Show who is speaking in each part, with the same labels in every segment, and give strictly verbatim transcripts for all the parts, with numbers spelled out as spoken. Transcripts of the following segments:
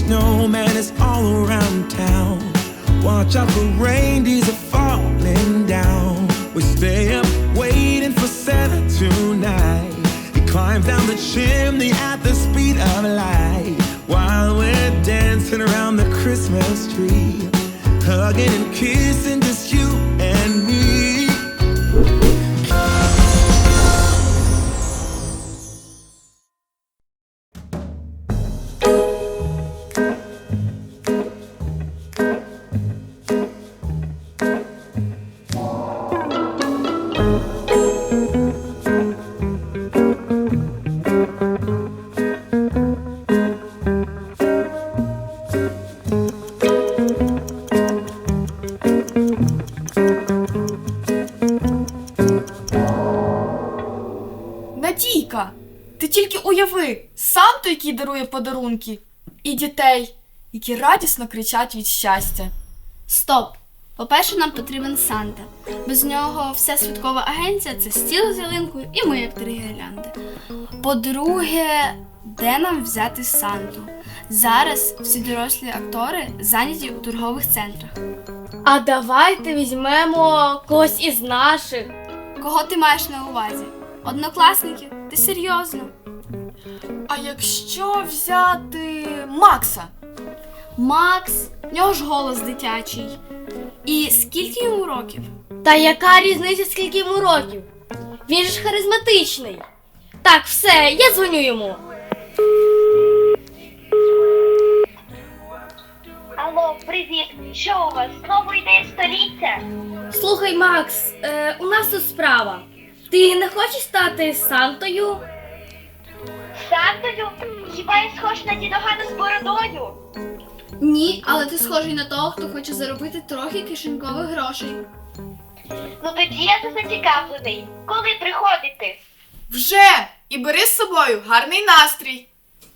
Speaker 1: snowman is all around town. Watch out for reindeers are falling down. We stay up waiting for Santa tonight. He climbs down the chimney at the speed of light, while we're dancing around the Christmas tree, hugging and kissing just you and me.
Speaker 2: Надійка, ти тільки уяви, Санту, який дарує подарунки, і дітей, які радісно кричать від щастя.
Speaker 3: Стоп! По-перше, нам потрібен Санта. Без нього вся святкова агенція – це стіл з ялинкою і ми як три гірлянди. По-друге, де нам взяти Санту? Зараз всі дорослі актори зайняті у торгових центрах.
Speaker 4: А давайте візьмемо когось із наших.
Speaker 3: Кого ти маєш на увазі? Однокласників? Ти серйозно?
Speaker 2: А якщо взяти Макса?
Speaker 3: Макс, в нього ж голос дитячий. І скільки йому років?
Speaker 4: Та яка різниця, скільки йому років? Він же ж харизматичний. Так, все, я дзвоню йому.
Speaker 5: Алло, привіт! Що у вас? Знову ідея століття?
Speaker 4: Слухай, Макс, е, у нас тут справа. Ти не хочеш стати Сантою?
Speaker 5: Сантою? Хіба я схож на дідогана з бородою?
Speaker 3: Ні, але ти схожий на того, хто хоче заробити трохи кишенькових грошей.
Speaker 5: Ну тоді я не зацікавлений. Коли приходити?
Speaker 2: Вже! І бери з собою гарний настрій.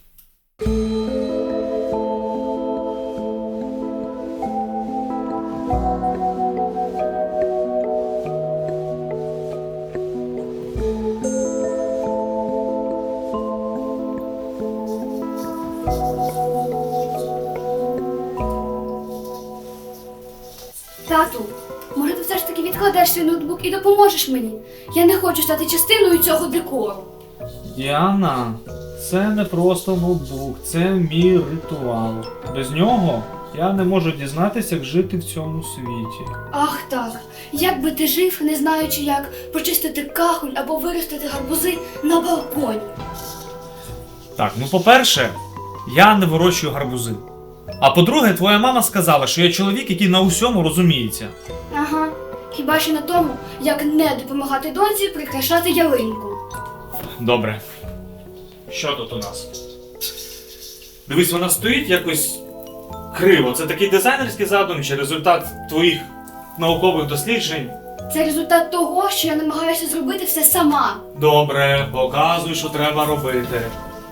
Speaker 3: Тату, може ти все ж таки відкладеш свій ноутбук і допоможеш мені? Я не хочу стати частиною цього декору.
Speaker 6: Діана, це не просто ноутбук, це мій ритуал. Без нього я не можу дізнатися, як жити в цьому світі.
Speaker 3: Ах так, як би ти жив, не знаючи, як почистити кахоль або виростити гарбузи на балконі.
Speaker 6: Так, ну по-перше, я не вирощую гарбузи. А по-друге, твоя мама сказала, що я чоловік, який на усьому розуміється.
Speaker 3: Ага, хіба що на тому, як не допомагати доньці прикрашати ялинку.
Speaker 6: Добре. Що тут у нас? Дивись, вона стоїть якось криво. Це такий дизайнерський задум чи результат твоїх наукових досліджень?
Speaker 3: Це результат того, що я намагаюся зробити все сама.
Speaker 6: Добре, показуй, що треба робити.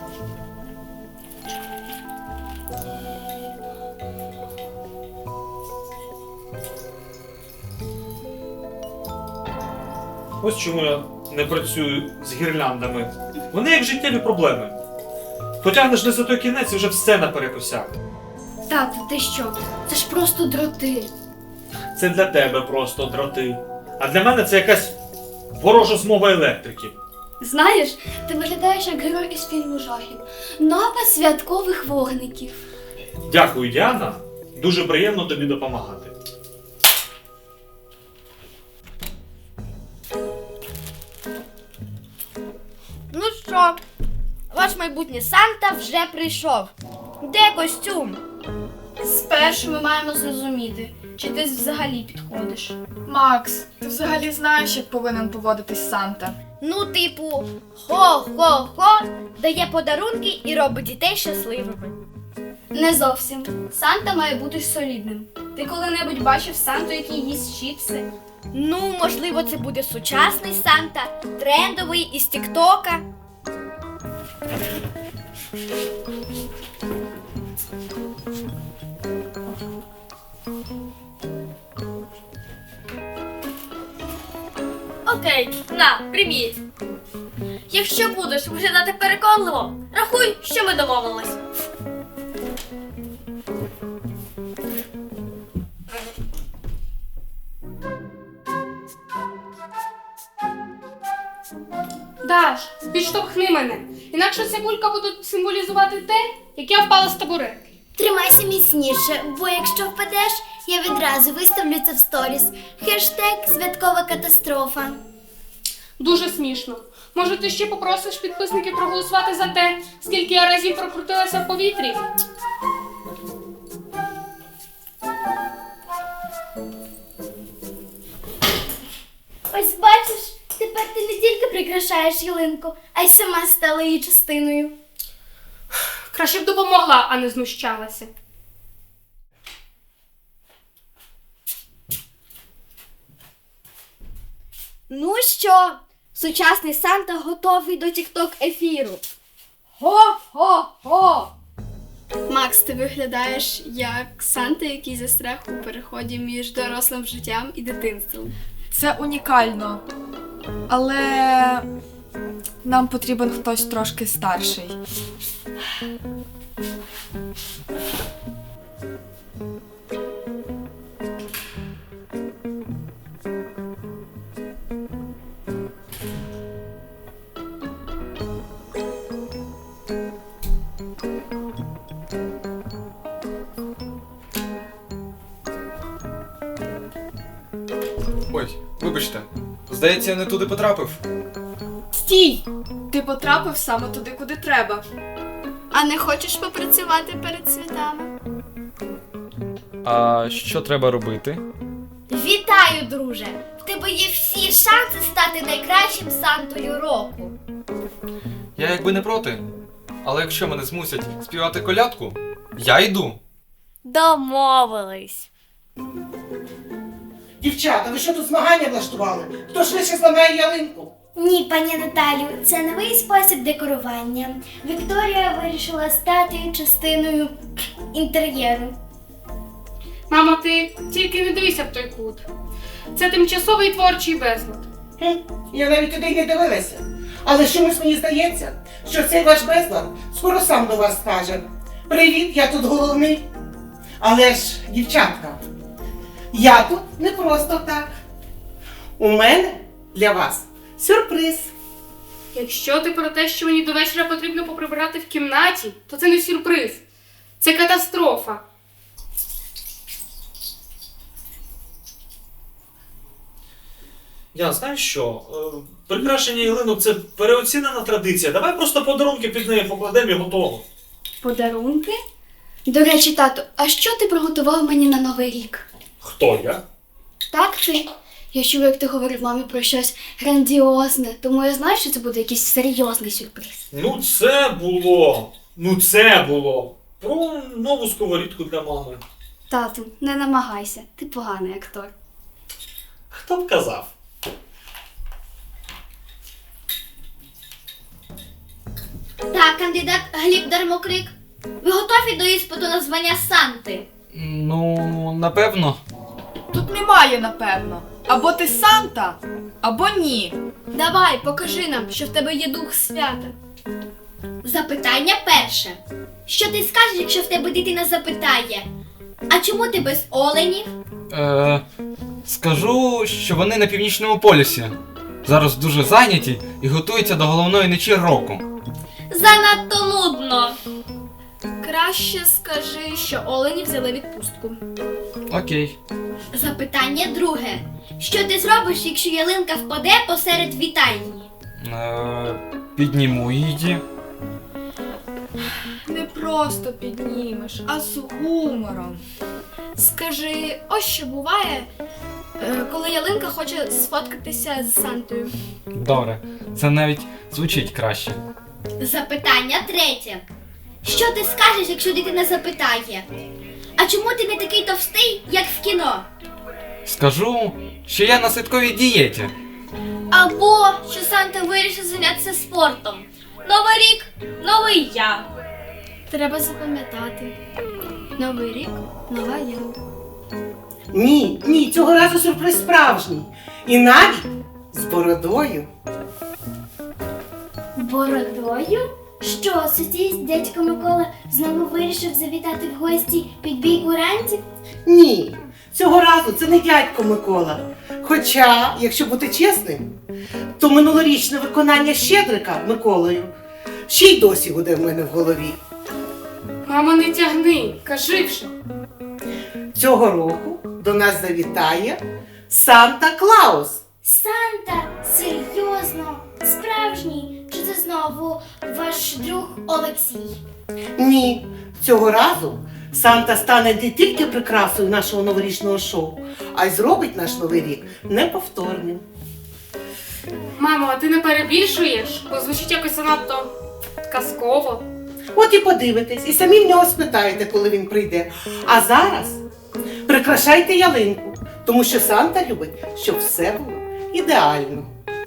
Speaker 6: Ось чому я не працюю з гірляндами. Вони як життєві проблеми. Потягнеш не за той кінець і вже все наперекосяк.
Speaker 3: Тату, ти що? Це ж просто дроти.
Speaker 6: Це для тебе просто дроти. А для мене це якась ворожа змова електриків.
Speaker 3: Знаєш, ти виглядаєш як герой із фільму жахів. Напад святкових вогників.
Speaker 6: Дякую, Діана. Дуже приємно тобі допомагати.
Speaker 4: Ну що, ваш майбутній Санта вже прийшов. Де костюм?
Speaker 3: Спершу ми маємо зрозуміти, чи ти взагалі підходиш.
Speaker 2: Макс, ти взагалі знаєш, як повинен поводитись Санта?
Speaker 4: Ну, типу, хо-хо-хо, дає подарунки і робить дітей щасливими.
Speaker 3: Не зовсім. Санта має бути солідним. Ти коли-небудь бачив Санту, який їсть чіпси?
Speaker 4: Ну, можливо, це буде сучасний Санта, трендовий із Тіктока. Окей, на, прийміть. Якщо будеш виглядати переконливо, рахуй, що ми домовились.
Speaker 7: Даш, підштовхни мене. Інакше ця кулька буде символізувати те, як я впала з табуретки.
Speaker 8: Тримайся міцніше, бо якщо впадеш, я відразу виставлю це в сторіс. Хештег «Святкова катастрофа».
Speaker 7: Дуже смішно. Може, ти ще попросиш підписників проголосувати за те, скільки я разів прокрутилася в повітрі?
Speaker 8: Ось бачиш, тепер ти не тільки прикрашаєш ялинку, а й сама стала її частиною.
Speaker 7: Краще б допомогла, а не знущалася.
Speaker 3: Ну що, сучасний Санта готовий до тік-ток-ефіру. Го-го-го! Макс, ти виглядаєш як Санта, який застряг у переході між дорослим життям і дитинством.
Speaker 2: Це унікально. Але нам потрібен хтось трошки старший.
Speaker 9: Ой, вибачте, здається, я не туди потрапив.
Speaker 2: Стій! Ти потрапив саме туди, куди треба.
Speaker 3: А не хочеш попрацювати перед святами?
Speaker 9: А що треба робити?
Speaker 8: Вітаю, друже! В тебе є всі шанси стати найкращим Сантою року.
Speaker 9: Я якби не проти. Але якщо мене змусять співати колядку, я йду.
Speaker 8: Домовились.
Speaker 10: Дівчата, ви що тут змагання влаштували? Хто швидше зламає ялинку?
Speaker 8: Ні, пані Наталю, це новий спосіб декорування. Вікторія вирішила стати частиною інтер'єру.
Speaker 7: Мамо, ти тільки не дивися в той кут. Це тимчасовий творчий безлад.
Speaker 10: Хм, я навіть туди й не дивилася. Але чомусь мені здається, що цей ваш безлад скоро сам до вас скаже. Привіт, я тут головний. Але ж, дівчатка, я тут не просто так. У мене для вас сюрприз.
Speaker 7: Якщо ти про те, що мені до вечора потрібно поприбирати в кімнаті, то це не сюрприз. Це катастрофа.
Speaker 6: Я знаєш що? Е, Прикрашення ялинок – це переоцінена традиція. Давай просто подарунки під неї покладемо і готово.
Speaker 3: Подарунки? До речі, тату, а що ти приготував мені на Новий рік?
Speaker 6: Хто я?
Speaker 3: Так, ти. Я чула, як ти говорив мамі про щось грандіозне, тому я знаю, що це буде якийсь серйозний сюрприз.
Speaker 6: Ну це було. Ну це було. Про нову сковорідку для мами.
Speaker 3: Тату, не намагайся, ти поганий актор.
Speaker 6: Хто б казав?
Speaker 8: Так, кандидат Гліб Дармокрик, ви готові до іспиту на звання Санти?
Speaker 9: Ну, напевно.
Speaker 2: Тут немає, напевно. Або ти Санта, або ні.
Speaker 3: Давай, покажи нам, що в тебе є дух свята.
Speaker 8: Запитання перше. Що ти скажеш, якщо в тебе дитина запитає? А чому ти без оленів?
Speaker 9: Е, скажу, що вони на північному полюсі. Зараз дуже зайняті і готуються до головної ночі року.
Speaker 8: Занадто нудно.
Speaker 3: Краще скажи, що олені взяли відпустку.
Speaker 9: Окей.
Speaker 8: Запитання друге. Що ти зробиш, якщо ялинка впаде посеред вітальні?
Speaker 9: Е, підніму її.
Speaker 2: Не просто піднімеш, а з гумором.
Speaker 3: Скажи, ось що буває, е, коли ялинка хоче сфоткатися з Сантою.
Speaker 9: Добре, це навіть звучить краще.
Speaker 8: Запитання третє. Що ти скажеш, якщо дитина запитає? А чому ти не такий товстий, як в кіно?
Speaker 9: Скажу, що я на святковій дієті.
Speaker 8: Або що Санта вирішив зайнятися спортом. Новий рік, новий я.
Speaker 3: Треба запам'ятати. Новий рік, нова я.
Speaker 10: Ні, ні, цього разу сюрприз справжній. І навіть з бородою.
Speaker 8: Бородою? Що, сусід, дядько Микола знову вирішив завітати в гості під бій курантів?
Speaker 10: Ні, цього разу це не дядько Микола. Хоча, якщо бути чесним, то минулорічне виконання Щедрика Миколою ще й досі гуде в мене в голові.
Speaker 7: Мама, не тягни, кажи вже.
Speaker 10: Цього року до нас завітає Санта-Клаус.
Speaker 8: Санта, серйозно, справжній? Чи це знову ваш друг Олексій?
Speaker 10: Ні, цього разу Санта стане не тільки прикрасою нашого новорічного шоу, а й зробить наш новий рік неповторним.
Speaker 7: Мамо, а ти не перебільшуєш? Бо звучить якось занадто казково.
Speaker 10: От і подивитесь, і самі в нього спитаєте, коли він прийде. А зараз прикрашайте ялинку, тому що Санта любить, щоб все було ідеально.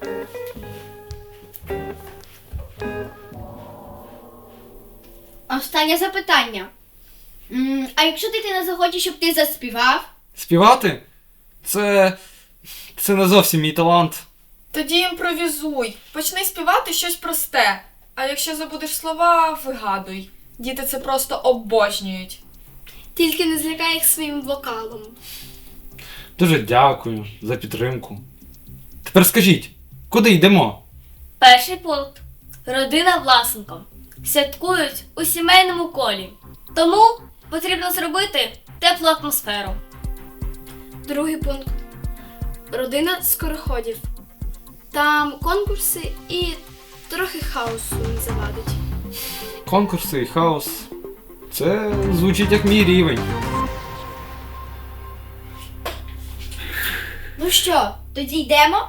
Speaker 8: Останнє запитання. М, А якщо дитина захоче, щоб ти заспівав?
Speaker 9: Співати? Це. Це не зовсім мій талант.
Speaker 2: Тоді імпровізуй. Почни співати щось просте. А якщо забудеш слова, вигадуй. Діти це просто обожнюють.
Speaker 3: Тільки не злякай їх своїм вокалом.
Speaker 9: Дуже дякую за підтримку. Тепер скажіть, куди йдемо?
Speaker 4: Перший пункт. Родина Власенко. Святкують у сімейному колі. Тому потрібно зробити теплу атмосферу.
Speaker 3: Другий пункт. Родина скороходів. Там конкурси і трохи хаосу не завадить.
Speaker 9: Конкурси і хаос. Це звучить як мій рівень.
Speaker 8: Ну що, тоді йдемо?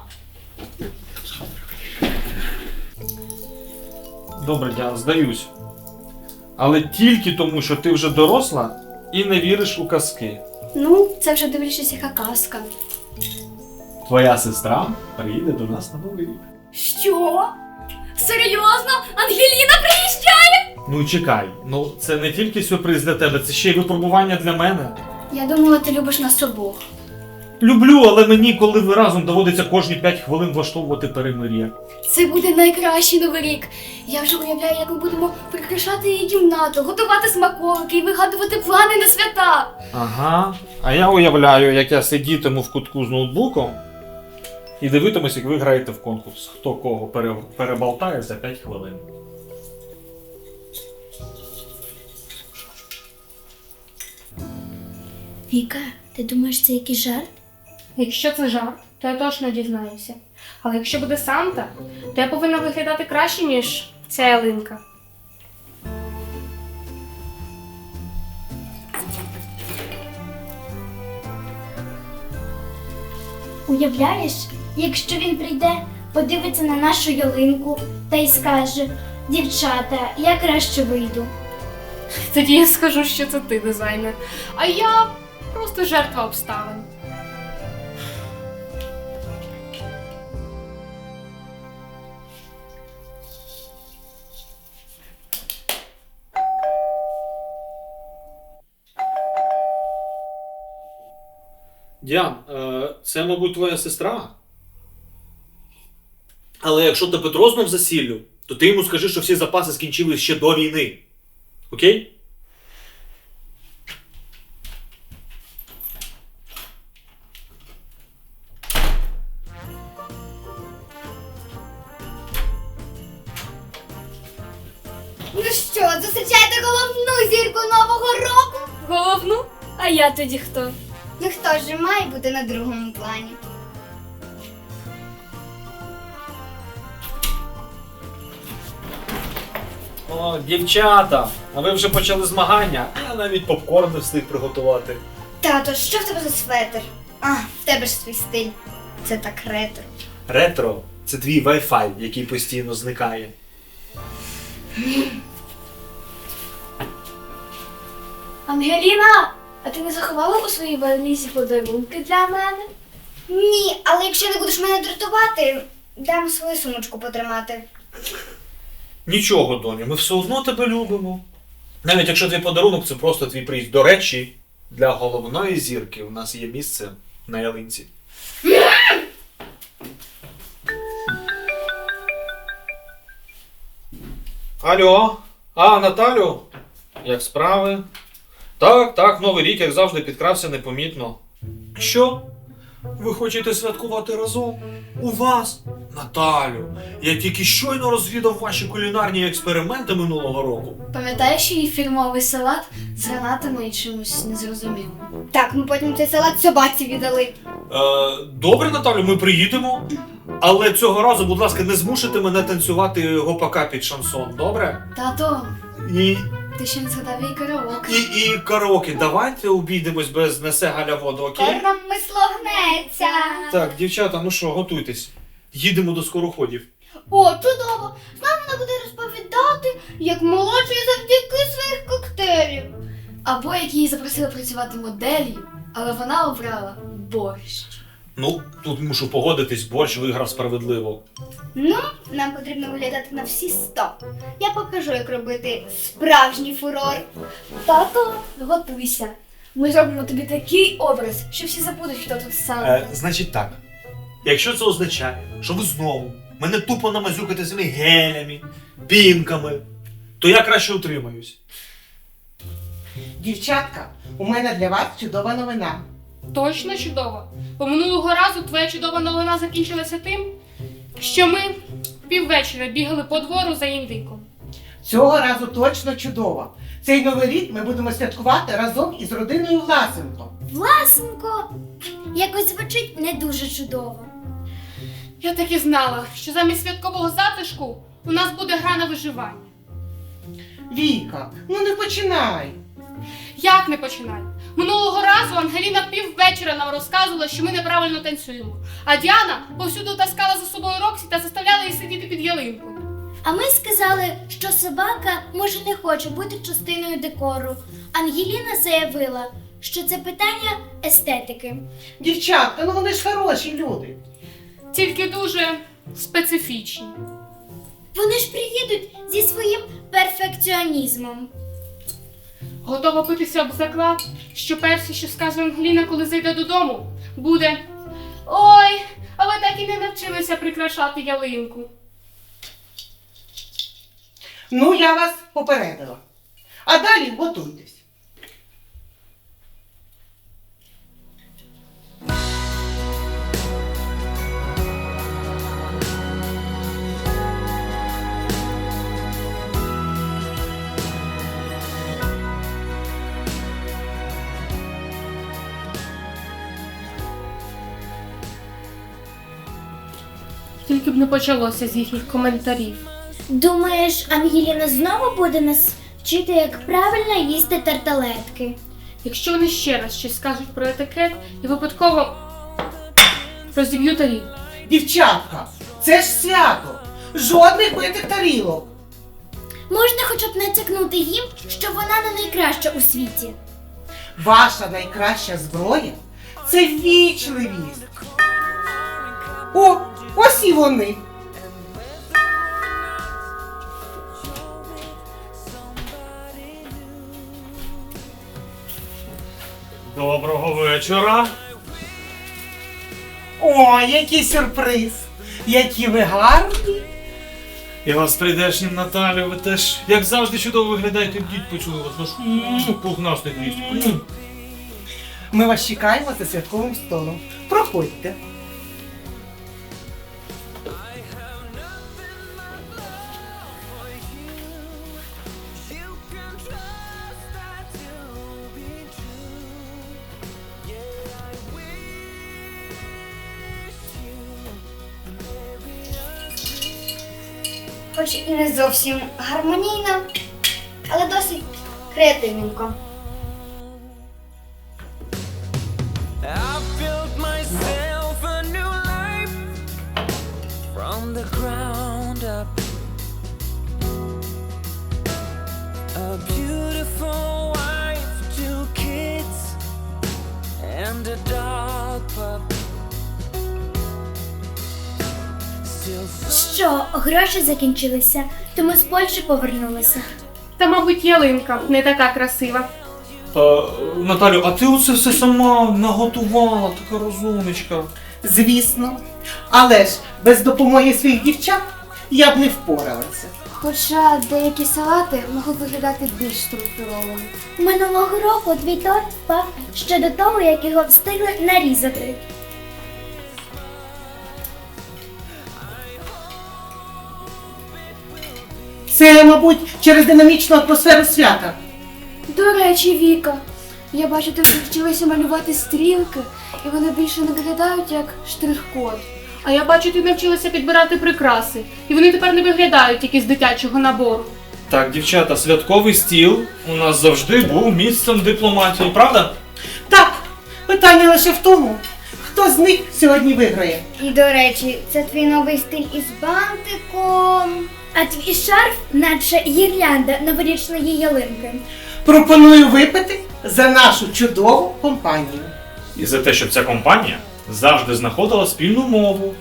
Speaker 6: Добре, Діана, здаюсь. Але тільки тому, що ти вже доросла і не віриш у казки.
Speaker 3: Ну, це вже дивлячись, яка казка.
Speaker 6: Твоя сестра приїде до нас на новий рік.
Speaker 8: Що? Серйозно? Ангеліна приїжджає?
Speaker 6: Ну чекай, ну це не тільки сюрприз для тебе, це ще й випробування для мене.
Speaker 3: Я думала, ти любиш нас обох.
Speaker 6: Люблю, але мені, коли ви разом доводиться кожні п'ять хвилин влаштовувати перемир'я.
Speaker 3: Це буде найкращий новий рік. Я вже уявляю, як ми будемо прикрашати її кімнату, готувати смаколики і вигадувати плани на свята.
Speaker 6: Ага. А я уявляю, як я сидітиму в кутку з ноутбуком і дивитимусь, як ви граєте в конкурс. Хто кого пере... переболтає за п'ять хвилин.
Speaker 8: Віка, ти думаєш, це якийсь жарт?
Speaker 7: Якщо це жарт, то я точно дізнаюся. Але якщо буде Санта, то я повинна виглядати краще, ніж ця ялинка.
Speaker 8: Уявляєш, якщо він прийде, подивиться на нашу ялинку та й скаже: дівчата, я краще вийду.
Speaker 7: Тоді я скажу, що це ти дизайнер, а я просто жертва обставин.
Speaker 6: Діан, е, це, мабуть, твоя сестра? Але якщо тебе Петро знов засіллю, то ти йому скажи, що всі запаси скінчились ще до війни. Окей?
Speaker 8: Ну що, зустрічаєте головну зірку Нового року?
Speaker 3: Головну? А я тоді хто?
Speaker 8: Ну хто ж має бути на другому плані?
Speaker 6: О, дівчата, а ви вже почали змагання? Я навіть попкорн не встиг приготувати.
Speaker 8: Тато, що в тебе за светр? А, в тебе ж свій стиль. Це так ретро.
Speaker 6: Ретро – це твій Wi-Fi, який постійно зникає.
Speaker 3: Ангеліна, а ти не заховала у своїй валізі подарунки для мене?
Speaker 8: Ні, але якщо не будеш мене дратувати, дам свою сумочку потримати.
Speaker 6: Нічого, доню, ми все одно тебе любимо. Навіть якщо твій подарунок – це просто твій приїзд. До речі, для головної зірки у нас є місце на ялинці. Алло, а, Наталю? Як справи? Так, так, Новий рік, як завжди, підкрався непомітно. Що? Ви хочете святкувати разом? У вас? Наталю, я тільки щойно розвідав ваші кулінарні експерименти минулого року.
Speaker 3: Пам'ятаєш її фірмовий салат з гранатами і чимось незрозумілим?
Speaker 4: Так, ми потім цей салат собаці віддали.
Speaker 6: Е, добре, Наталю, ми приїдемо. Але цього разу, будь ласка, не змушуйте мене танцювати гопака під шансон, добре?
Speaker 3: Тато,
Speaker 6: І,
Speaker 3: ти ще не згадав її караоке.
Speaker 6: і, і караоке. Давайте обійдемось без «Несе Галя воду», окей?
Speaker 4: нам мисло гнеться.
Speaker 6: Так, дівчата, ну що, готуйтесь. Їдемо до скороходів.
Speaker 4: О, чудово! З нами вона буде розповідати, як молодший завдяки своїх коктейлів.
Speaker 3: Або як її запросили працювати моделлю, але вона обрала борщ.
Speaker 6: Ну, тут мушу погодитись, борщ виграв справедливо.
Speaker 4: Ну, нам потрібно виглядати на всі сто. Я покажу, як робити справжній фурор.
Speaker 3: Тато, готуйся. Ми зробимо тобі такий образ, що всі забудуть, хто тут сам.
Speaker 6: Е, значить так, якщо це означає, що ви знову мене тупо намазюкаєте цими гелями, пінками, то я краще утримаюсь.
Speaker 10: Дівчатка, у мене для вас чудова новина.
Speaker 7: Точно чудово. Бо минулого разу твоя чудова новина закінчилася тим, що ми піввечора бігали по двору за індиком.
Speaker 10: Цього разу точно чудова. Цей новий рік ми будемо святкувати разом із родиною Власенко.
Speaker 8: Власенко, якось звучить не дуже чудово.
Speaker 7: Я так і знала, що замість святкового затишку у нас буде гра на виживання.
Speaker 10: Віка, ну не починай.
Speaker 7: Як не починай? Минулого разу Ангеліна піввечора нам розказувала, що ми неправильно танцюємо, а Діана повсюду таскала за собою Роксі та заставляла її сидіти під ялинкою.
Speaker 8: А ми сказали, що собака може не хоче бути частиною декору. Ангеліна заявила, що це питання естетики.
Speaker 10: Дівчатка, ну вони ж хороші люди.
Speaker 7: Тільки дуже специфічні.
Speaker 8: Вони ж приїдуть зі своїм перфекціонізмом.
Speaker 7: Готова битися об заклад, що перше, що скаже Ангеліна, коли зайде додому, буде: «Ой, а ви так і не навчилися прикрашати ялинку».
Speaker 10: Ну, я вас попередила. А далі готуйтесь.
Speaker 7: Тільки б не почалося з їхніх коментарів.
Speaker 8: Думаєш, Ангеліна знову буде нас вчити, як правильно їсти тарталетки?
Speaker 7: Якщо вони ще раз щось скажуть про етикет і випадково розіб'ю тарілку.
Speaker 10: Дівчатка, це ж свято. Жодних битих тарілок.
Speaker 8: Можна хоча б натякнути їм, що вона не найкраща у світі.
Speaker 10: Ваша найкраща зброя – це вічливість. О, ось і вони.
Speaker 6: Доброго вечора.
Speaker 10: О, який сюрприз. Які ви гарні.
Speaker 6: Я вас прийдешнім, Наталю, ви теж, як завжди, чудово виглядаєте, діть почули вас, ваш м, пухнастий хвіст. М.
Speaker 10: Ми вас чекаємо за святковим столом. Проходьте.
Speaker 4: Хоч і не зовсім гармонійно, але досить креативненько.
Speaker 1: I've built myself a new life from the ground up. A beautiful wife, two kids, and a dog pup. Still
Speaker 8: Що, гроші закінчилися, то ми з Польщі повернулися.
Speaker 7: Та, мабуть, ялинка не така красива.
Speaker 6: Е, Наталю, а ти оце все сама наготувала, така розумничка.
Speaker 10: Звісно. Але ж без допомоги своїх дівчат я б не впоралася.
Speaker 3: Хоча деякі салати можуть виглядати більш структурованими.
Speaker 8: Минулого року твій торт впав ще до того, як його встигли нарізати.
Speaker 10: Це, мабуть, через динамічну атмосферу свята.
Speaker 3: До речі, Віка, я бачу, ти навчилася малювати стрілки, і вони більше не виглядають як штрих-код.
Speaker 7: А я бачу, ти навчилася підбирати прикраси, і вони тепер не виглядають тільки з дитячого набору.
Speaker 6: Так, дівчата, святковий стіл у нас завжди був місцем дипломатії, правда?
Speaker 10: Так, питання лише в тому, хто з них сьогодні виграє.
Speaker 8: І до речі, це твій новий стиль із бантиком. А твій шарф, наче гірлянда новорічної ялинки.
Speaker 10: Пропоную випити за нашу чудову компанію.
Speaker 6: І за те, щоб ця компанія завжди знаходила спільну мову.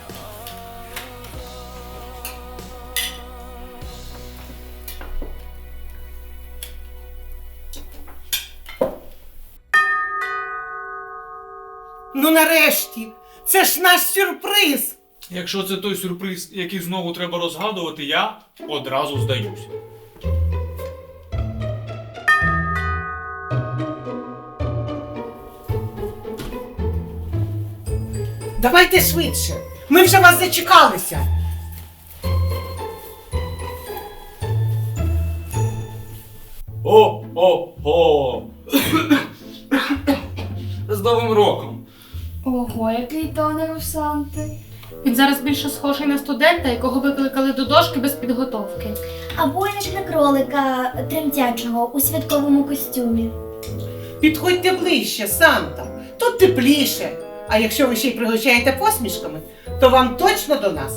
Speaker 10: Ну нарешті, це ж наш сюрприз.
Speaker 6: Якщо це той сюрприз, який знову треба розгадувати, я одразу здаюсь.
Speaker 10: Давайте швидше, ми вже вас зачекалися.
Speaker 9: О-о-о! З Новим роком!
Speaker 3: Ого, який тонер у Санти.
Speaker 7: Він зараз більше схожий на студента, якого викликали до дошки без підготовки.
Speaker 8: Або як на кролика тремтячого у святковому костюмі.
Speaker 10: Підходьте ближче, Санта. Тут тепліше. А якщо ви ще й пригощаєте посмішками, то вам точно до нас.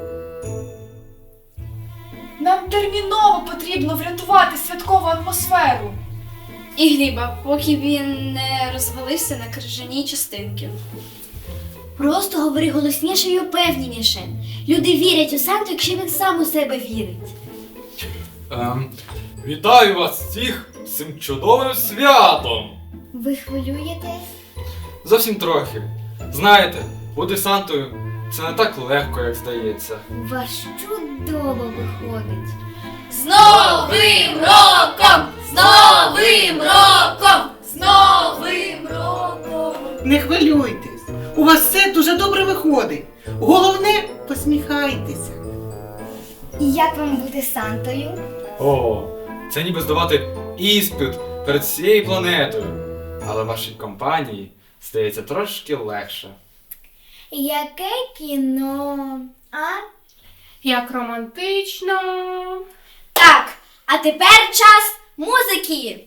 Speaker 2: Нам терміново потрібно врятувати святкову атмосферу.
Speaker 3: І Гліба, поки він не розвалився на крижаній частинки.
Speaker 8: Просто говори голосніше і упевненіше. Люди вірять у Санту, якщо він сам у себе вірить.
Speaker 9: Ем, вітаю вас всіх з цим чудовим святом!
Speaker 8: Ви хвилюєтесь?
Speaker 9: Зовсім трохи. Знаєте, бути Сантою це не так легко, як здається.
Speaker 8: У вас чудово виходить.
Speaker 2: З Новим роком! З Новим роком! З Новим роком!
Speaker 10: Не хвилюйтесь. У вас все дуже добре виходить. Головне, посміхайтеся.
Speaker 8: І як вам бути Сантою?
Speaker 9: О, це ніби здавати іспит перед всією планетою. Але вашій компанії стається трошки легше.
Speaker 8: Яке кіно? А?
Speaker 7: Як романтично.
Speaker 8: Так, а тепер час музики.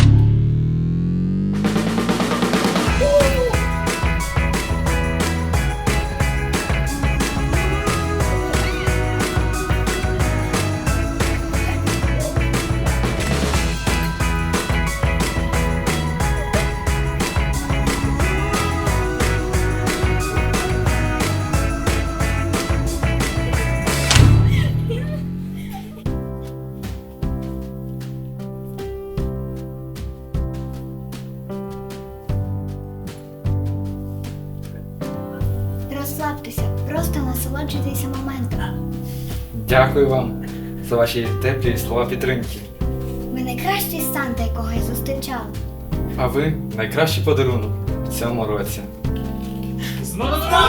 Speaker 8: Розслабтеся, просто насолоджуйтеся моментом.
Speaker 9: Дякую вам за ваші теплі слова підтримки.
Speaker 8: Ви найкращий Санта, якого я зустрічала.
Speaker 9: А ви найкращий подарунок в цьому році.
Speaker 6: З Новим роком!